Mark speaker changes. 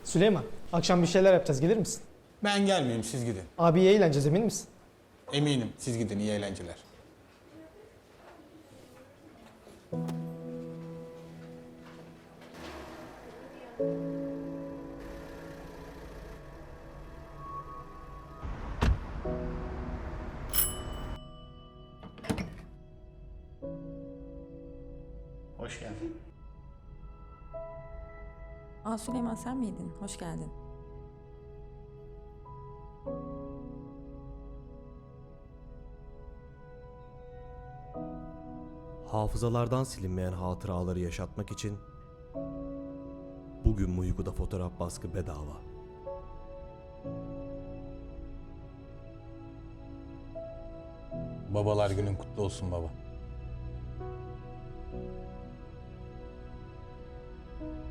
Speaker 1: Süleyman, akşam bir şeyler yapacağız. Gelir misin?
Speaker 2: Ben gelmeyeyim, siz gidin.
Speaker 1: Abi iyi eğleneceğiz, emin misin?
Speaker 2: Eminim, siz gidin, iyi eğlenceler.
Speaker 3: Hoş geldin.
Speaker 4: Aa Süleyman sen miydin? Hoş geldin.
Speaker 5: Hafızalardan silinmeyen hatıraları yaşatmak için bugün Muygu'da fotoğraf baskı bedava.
Speaker 2: Babalar günün kutlu olsun baba.